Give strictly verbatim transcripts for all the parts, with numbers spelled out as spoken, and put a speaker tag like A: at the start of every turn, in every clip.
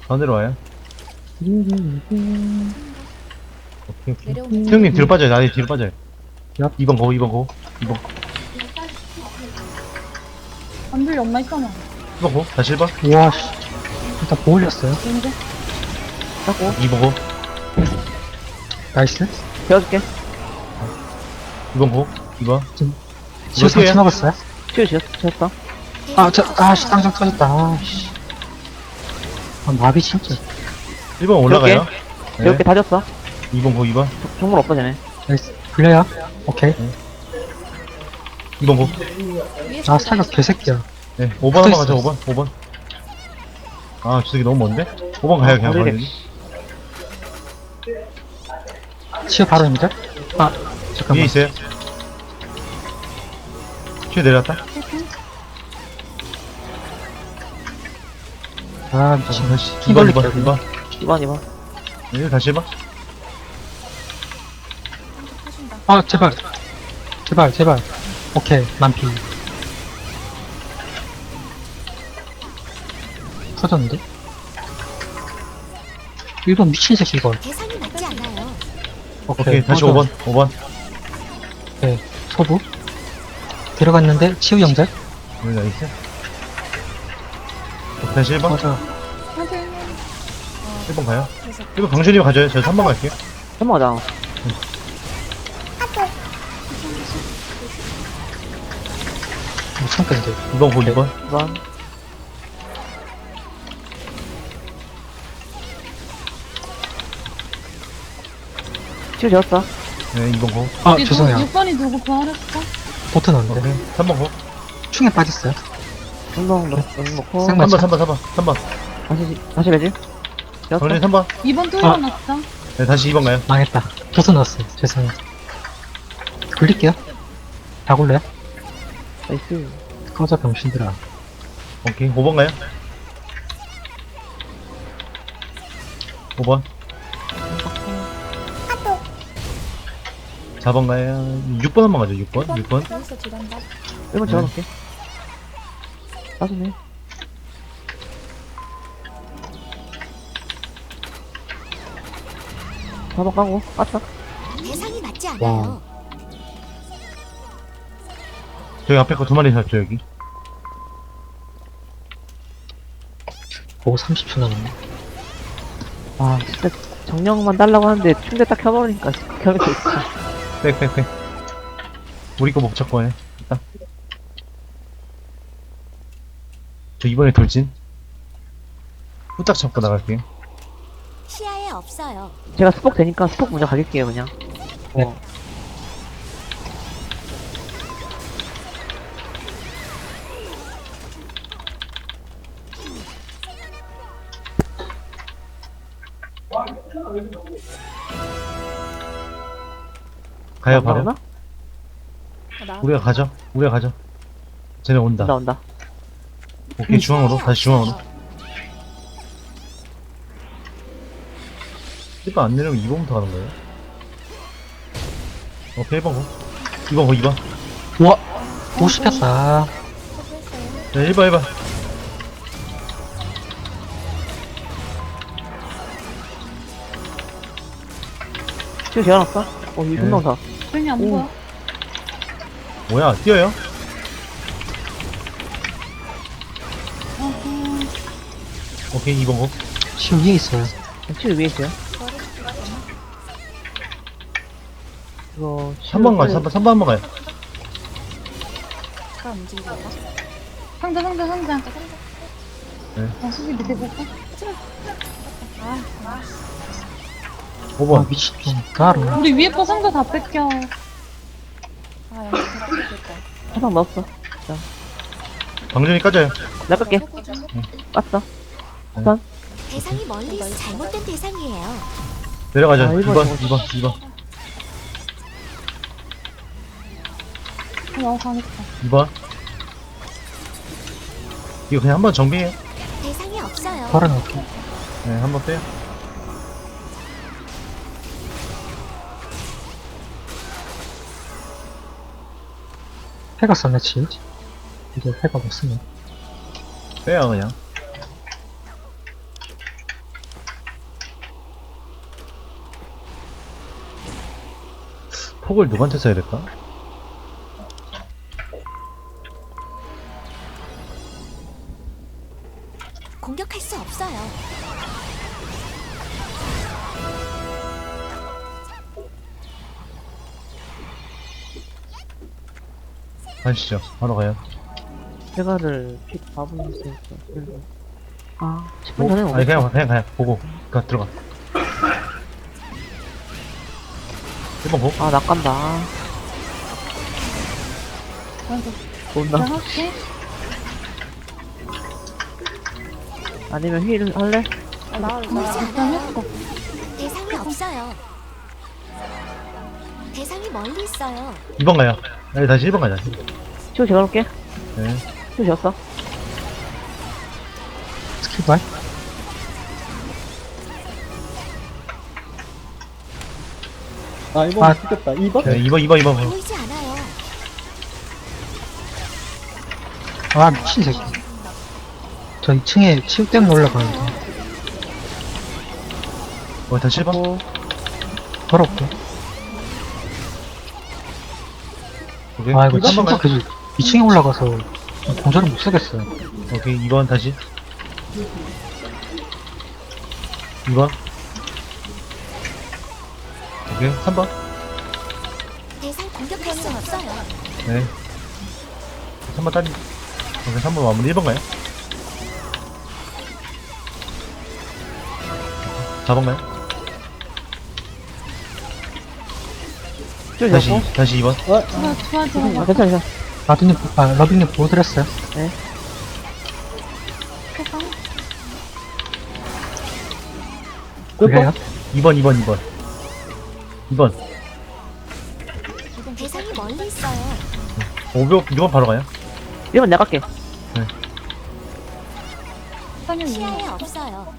A: 반대로 와요.
B: 음,
A: 오케이, 오케이.
C: 내려오면
A: 태형님 뒤로 빠져요. 나이 뒤로 빠져요.
B: 얍.
A: 이 번 고, 이 번 고, 이 번 고,
D: 안 들려, 엄마 있잖아.
A: 이 번 고, 다시 일 번,
B: 우와, 씨. 일단 보 올렸어요.
D: 언제?
C: 하고
A: 이 번 고,
B: 나이스.
C: 배워줄게.
A: 이 번 고, 이 번.
B: 치유
A: 어떻게
B: 상처
A: 해요?
B: 먹었어요?
C: 치유 지었, 지었다.
B: 아, 저, 아, 씨, 땅장 터졌다. 아, 씨. 아, 마비 진짜.
A: 일 번 올라가요.
C: 배울게 다 졌어.
A: 이 번 고, 이 번,
C: 정물 없어, 쟤네.
B: 나이스. 불려요? 오케이.
A: 이 번 고.
B: 아, 사격 개새끼야.
A: 네, 오 번 한번
B: 붙어있어.
A: 가자, 오 번, 오 번. 아, 저 새끼 너무 먼데? 오 번 가요, 그냥.
C: 어디래?
A: 가요.
B: 치유 바로입니다. 아,
A: 위에
B: 잠깐만.
A: 있어요. 뒤에 내려왔다.
B: 아, 미친.
A: 다시,
B: 키
A: 이 번, 이
B: 걸릴게요,
A: 번, 이 번.
C: 이번, 이번.
A: 네, 다시 일 번.
B: 아, 제발. 제발, 제발. 오케이, 만피. 터졌는데? 일 번 미친 새끼, 이거.
E: 대상이 맞지 않아요.
A: 오케이, 다시 오 번, 오 번.
B: 네, 소부. 들어갔는데, 치유 영절.
A: 여기 나이스. 오케이, 다시 일 번.
B: 맞아.
A: 일 번 가요. 일 번 강준이가 가져요. 저 삼 번 갈게요.
C: 한번 가자.
B: 못 참겠는데.
A: 이 번 고, 이 번.
C: 이번. 치유 지었어.
A: 네, 이 번 고.
B: 아, 죄송해요.
D: 육 번이 누구 부활했어?
B: 보트 넣었는데.
A: 오케이, 삼 번 고.
B: 충에 빠졌어요.
C: 운동 넣, 넣고.
B: 생-
A: 삼 번, 삼 번, 삼 번, 삼 번.
C: 다시, 다시 매지. 지었어.
A: 강준이 삼 번.
D: 이 번
B: 아.
D: 뚫어놨어.
A: 네, 다시 이 번 가요.
B: 망했다. 보트 넣었어요. 죄송해요. 굴릴게요. 다 굴려요?
C: 나이스.
B: 꺼져, 병신들아.
A: 오케이, 오 번 가요. 오 번. 사 번 가요. 육 번 한번 가죠, 육 번. 육 번.
C: 일번
A: 네.
C: 지어놓을게. 빠지네. 사 번 까고, 빠져.
E: 대상이 맞지
B: 와.
E: 않아요.
A: 저기 앞에 거 두 마리 샀죠, 여기.
B: 오, 삼십 초 남았네.
C: 아, 진짜 정령만 달라고 하는데 충대 딱 켜버리니까 켜게 돼 있어.
A: 백, 백, 백. 우리 거 목적 거네. 일단. 저 이번에 돌진. 후딱 잡고 나갈게요.
E: 시야에 없어요.
C: 제가 스폭 되니까 스폭 먼저 가길게요, 그냥.
B: 네.
C: 어.
A: 가요,
C: 안
A: 바로.
C: 나오나?
A: 우리가 가죠. 우리가 가죠. 쟤네 온다.
C: 온다, 온다.
A: 오케이, 중앙으로. 다시 중앙으로. 일 번 안 내려면 이 번부터 가는 거예요. 오케이, 일 번 고. 이 번 고, 이 번.
B: 우와! 오, 씹혔다.
A: 네, 일 번, 일 번.
C: 치유 지어놨어? 어, 이
A: 네.
C: 분명사.
D: 괜히 안
C: 오.
D: 보여.
A: 뭐야, 뛰어요? 오케이, 이 번 고.
B: 치유 위에 있어요.
C: 치유 위에 있어요. 이거,
A: 삼 번 가요, 삼 번, 삼 번 한 번 가요.
D: 상자, 상자, 상자.
A: 네.
D: 아, 수비 밑에 볼까?
A: 오
B: 아,
A: 번.
B: 미친. 가루.
D: 우리 위에 거 상자 다 뺏겨.
C: 화상 넣었어.
A: 방전이 까져요.
C: 내가 끌게. 깠어. 우선.
E: 대상이 멀리 있어. 잘못된 대상이에요.
A: 내려가죠.
C: 아,
A: 이
C: 일 번,
A: 번,
C: 일 번.
A: 이 번, 이 번.
D: 어, 가겠다.
A: 이 번. 이거 그냥 한 번 정비해요.
E: 대상이 없어요.
B: 바로 넣을게.
A: 네, 한 번 빼요.
B: 해가 썼네, 치유. 이게 해가 못 쓰네.
A: 빼요, 그냥. 폭을 누구한테 써야 될까?
E: 공격할 수 없어요.
A: 가시죠. 바로 가요.
C: 제가를 픽 밥을 있으니까. 아, 십 분
A: 오,
C: 전에
A: 아니,
C: 오겠다.
A: 그냥, 그냥 가요. 보고. 가, 들어가. 일 번 보.
C: 아, 낚간다.
D: 아이고.
C: 좋나?
D: 나 할게.
C: 아니면 힐 할래?
D: 나
E: 보이지
D: 일단
E: 않아요.
D: 했어.
E: 대상이 없어요. 대상이 멀리 있어요.
A: 이 번 가요. 아니, 다시 일 번 가자.
C: 치우 제가 놓을게.
A: 네.
C: 치우 지었어.
B: 스킬 발.
F: 아, 이번
B: 아.
F: 죽겠다. 이 번?
A: 네, 이 번, 이 번, 이 번.
E: 보이지 않아요.
B: 아, 미친 새끼. 저 이 층에 치우 때문에 올라가는데.
A: 어, 다시 일 번.
C: 어,
B: 걸어올게.
A: 오케이.
B: 아, 이거
A: 한 번
B: 친구가
A: 가요.
B: 계속 이 층에 올라가서 공전을 못 쓰겠어요.
A: 오케이, 이 번 다시. 이 번. 오케이, 삼 번.
E: 대상 공격할 수 없어요.
A: 네. 삼 번 딸리. 오케이, 삼 번 마무리. 일 번 가요. 사 번 가요.
C: 치우
A: 다시,
C: 지었고.
A: 다시 이 번.
D: 좋아, 좋아, 좋아.
C: 아, 괜찮아, 괜찮아.
B: 라빈님, 아, 러빈님 보여드렸어요.
D: 해봐.
B: 그래요?
A: 이 번, 이 번, 이 번. 이 번.
E: 대상이 멀리 있어요.
A: 오 번, 이 번 바로 가요.
C: 일 번 내가 갈게.
D: 사냥 이거.
E: 시야에 없어요.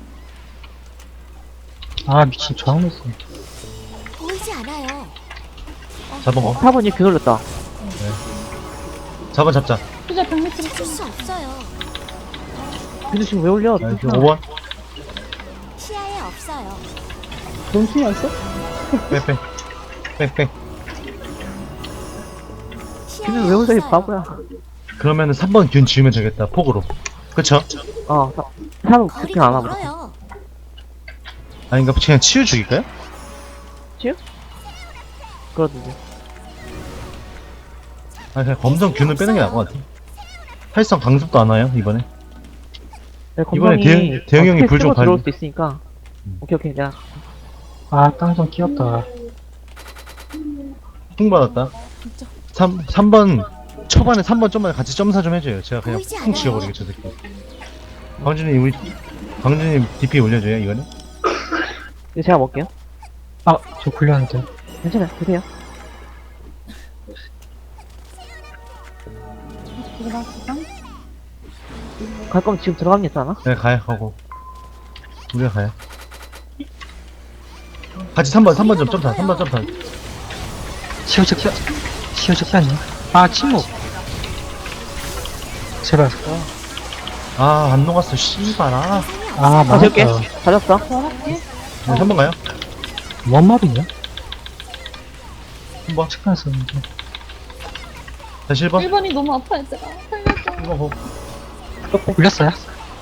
B: 아, 미친, 저항 냈어.
E: 보이지 않아요.
A: 사 번 거.
C: 사 번이 균 올렸다.
A: 사 번 잡자.
D: 수자 백 미터
E: 찾을 수 없어요.
C: 균도 지금 왜 올려?
A: 아, 오 번.
E: 시야에 없어요.
F: 넌 충이 안 써?
A: 빼, 빼. 빼, 빼.
C: 균을 왜 올려, 이
E: 없어요.
C: 바보야.
A: 그러면은 삼 번 균 지우면 되겠다. 폭으로. 그쵸?
C: 어, 사 번
E: 거리가
C: 그렇게 안 하고.
E: 멀어요.
A: 아닌가? 그냥 치유 죽일까요?
C: 그러던데.
A: 아니, 그냥 검정 균을 빼는 게 나을 것 같아. 활성 강습도 안 와요, 이번에.
C: 네,
A: 이번에
C: 건방이
A: 대형- 대형 형이
C: 어떻게
A: 불좀
C: 쓰고 들어올
A: 관리-
C: 수도 있으니까.
A: 음.
C: 오케이, 오케이. 내가
B: 아, 땅 좀 끼었다.
A: 풍 받았다. 삼, 삼 번, 초반에 삼 번 좀만 같이 점사 좀 해줘요. 제가 그냥
E: 보이지
A: 풍
E: 않아요.
A: 지워버리게, 저 새끼. 광준님, 우리, 광준님 디피 올려줘요, 이거는?
C: 이거 제가 먹을게요.
B: 아, 저 굴렸는데.
C: 괜찮아요. 드세요.
D: 이거 나 수장.
C: 갈 거면 지금 들어가면 되지 않아?
A: 네, 가요, 가고. 우리가 가요. 같이 삼 번, 삼 번 좀 점사, 삼 번 점사.
B: 치우 적기, 치우 적기 아니야? 아, 침묵. 제발.
A: 아, 안 녹았어, 씨발, 아.
B: 아,
C: 다 지울게.
B: 망했다.
C: 다 졌어.
D: 좋아할게.
A: 네, 삼 번 가요.
B: 뭔 말이냐?
A: 삼 번.
B: 측간 썼는데.
A: 다시 일 번.
D: 일 번이 너무 아파, 얘들아. 살려줘.
A: 일 번 고.
B: 굴렸어요?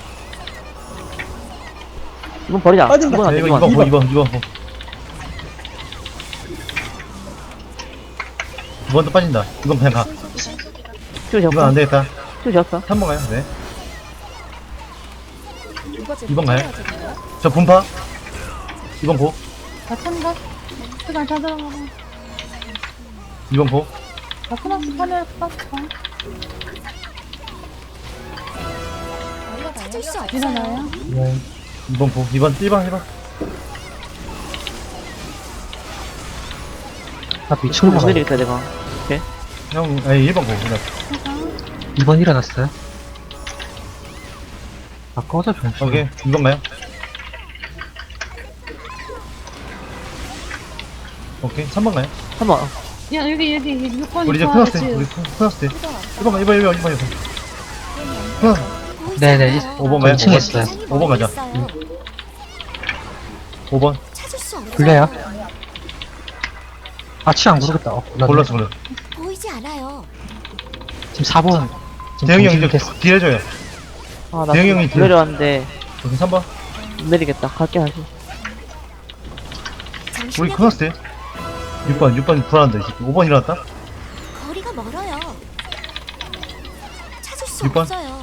C: 이번 버리자.
F: 빠진다.
C: 이번 안
A: 네,
C: 돼,
A: 이거
C: 이번.
A: 이 번, 이 번, 이 번, 이 번. 두 번도 빠진다. 이건 그냥 가.
C: 치우
A: 이건
C: 지었어.
A: 안 되겠다.
C: 치우 지었어.
A: 삼 번 가요, 네. 이 번 가요. 저 분파. 이 번 고.
D: 나 참가. 수장 다 들어가.
A: 이 번 고.
D: 나 코너스 파멸 땄어.
E: 찾을 수 없어요.
D: 일어나요.
B: 네.
A: 이 번 고. 이 번, 일 번, 일 번.
B: 아,
C: 치우
B: 미친
C: 못
B: 거
C: 내리겠다, 내가.
A: 형, 아니, 일 번 고. 그냥.
B: 이 번 일어났어요? 아, 꺼져, 좀.
A: 오케이. 이 번 가요. 오케이. 삼 번 가요.
C: 한 번.
D: 야, 여기, 여기, 여기 육 번이
A: 우리 이제
D: 좋아하지.
A: 크나스 때. 우리 크나스 때. 일 번 가, 일 번, 일 번, 일 번, 일 번. 크나스.
E: 보이지
B: 네네,
E: 않아요.
A: 오 번 가요.
B: 이 층에 있어요.
E: 대상이
A: 오 번
E: 멀리
A: 가자.
E: 있어요.
A: 오 번.
E: 찾을 수 없어요.
B: 굴려요? 아, 치 안 고르겠다. 어, 몰랐네.
A: 골랐어 골랐어.
E: 보이지 않아요.
B: 지금 사 번. 지금
A: 대형이 형
B: 정신이
A: 이제
B: 됐어.
A: 딜 해줘요.
C: 아, 나
A: 대형이 형이
C: 내려왔는데
A: 여기 삼 번.
C: 못 내리겠다. 갈게 다시.
A: 우리
E: 정신력
A: 코너스 돼. 육 번 육 번 불안한다. 이제 오 번 일어났다.
E: 거리가 멀어요. 찾을 수
A: 육 번?
E: 없어요.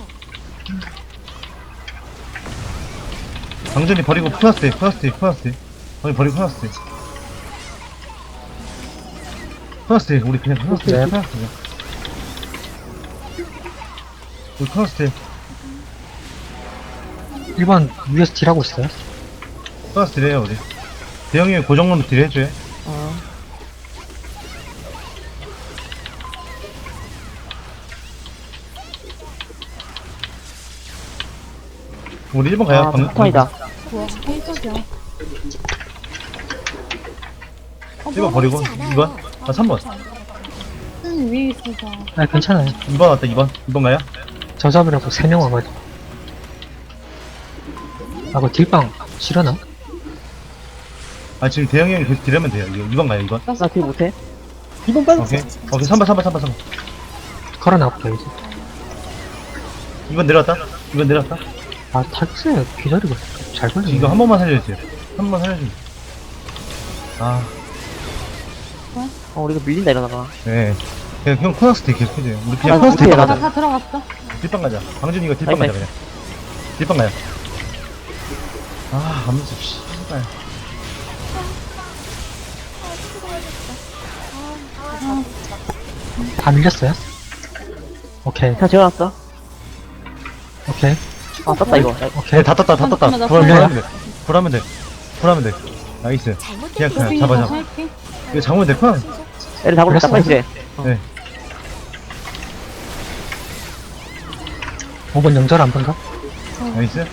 A: 방전이 버리고 코너스 돼. 코너스 돼. 코너스 돼. 방이 버리고 코너스 돼. 코너스 돼. 우리 그냥 코너스 돼.
B: 네.
A: 코너스 돼. 우리 코너스 돼.
B: 일 번 위에서 딜하고 있어요.
A: 코너스 딜해요 우리. 대형이 형이 고정으로 딜 해줘요.
C: 어.
A: 우리 일 번 가요.
C: 아,
A: 방-
C: 폭탄이다.
D: 좋아. 깜짝이야. 어,
A: 일 번 버리고
E: 보이지 않아요.
A: 이 번. 아 삼 번.
D: 음, 위에 있어서.
B: 아, 괜찮아요.
A: 이 번 왔다. 이 번. 이 번 가요.
B: 저 잡으려고 세 명 와가지고. 아, 그 딜빵 싫어나?
A: 아 지금 대형이 형이 계속 딜하면 돼요. 이거 이 번 가요. 이 번.
C: 나 딜 못해?
F: 이번 빠졌어.
A: 오케이. 오케이. 삼 번 삼 번 삼 번 삼 번.
B: 걸어놔볼게요, 이제.
A: 이 번 내려왔다. 이 번 내려왔다.
B: 아, 탈세 기다리고 있어. 잘 걸리네.
A: 이거 한 번만 살려주세요. 한 번만 살려주세요. 아,
C: 어, 우리가 밀린다 이러다가.
A: 네. 그냥 형 코너스 딜 계속 해줘요. 우리
C: 아,
A: 그냥 코너스 딜
C: 못해요,
A: 가자.
D: 나 다 들어갔어.
A: 딜빵 가자. 방준 이거 딜빵 가자
C: 아이고.
A: 그냥. 딜빵 가요. 아, 암수 씨발.
B: 다 밀렸어요? 오케이,
C: 다 재워놨어.
B: 오케이,
C: 아, 떴다, 이거. 야,
A: 네,
B: 오케이.
A: 다 떴다, 다 떴다.
D: 잠깐만, 나
A: 불하면 돼. 불하면 돼. 불하면 돼. 나이스.
E: 잘못된
A: 그냥 그냥
D: 로빈이
A: 잡아
D: 더
A: 잡아.
D: 살게.
A: 이거 잡으면 돼. 큰.
C: 애를 잡고
B: 그랬어?
C: 딱 빨리 래
A: 네.
B: 오 번 영절 한 번가?
A: 나이스.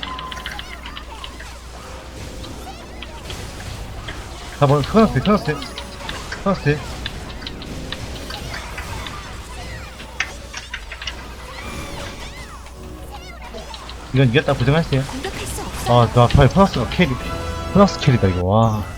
A: 사 번 코너스 딜, 코너스 딜. 코너스 딜. 이건 이겼다 고정하세요.
E: 공격할 수 없어요.
A: 아, 나 빨리 코너스가 캐리. 코너스 캐리다 이거. 와.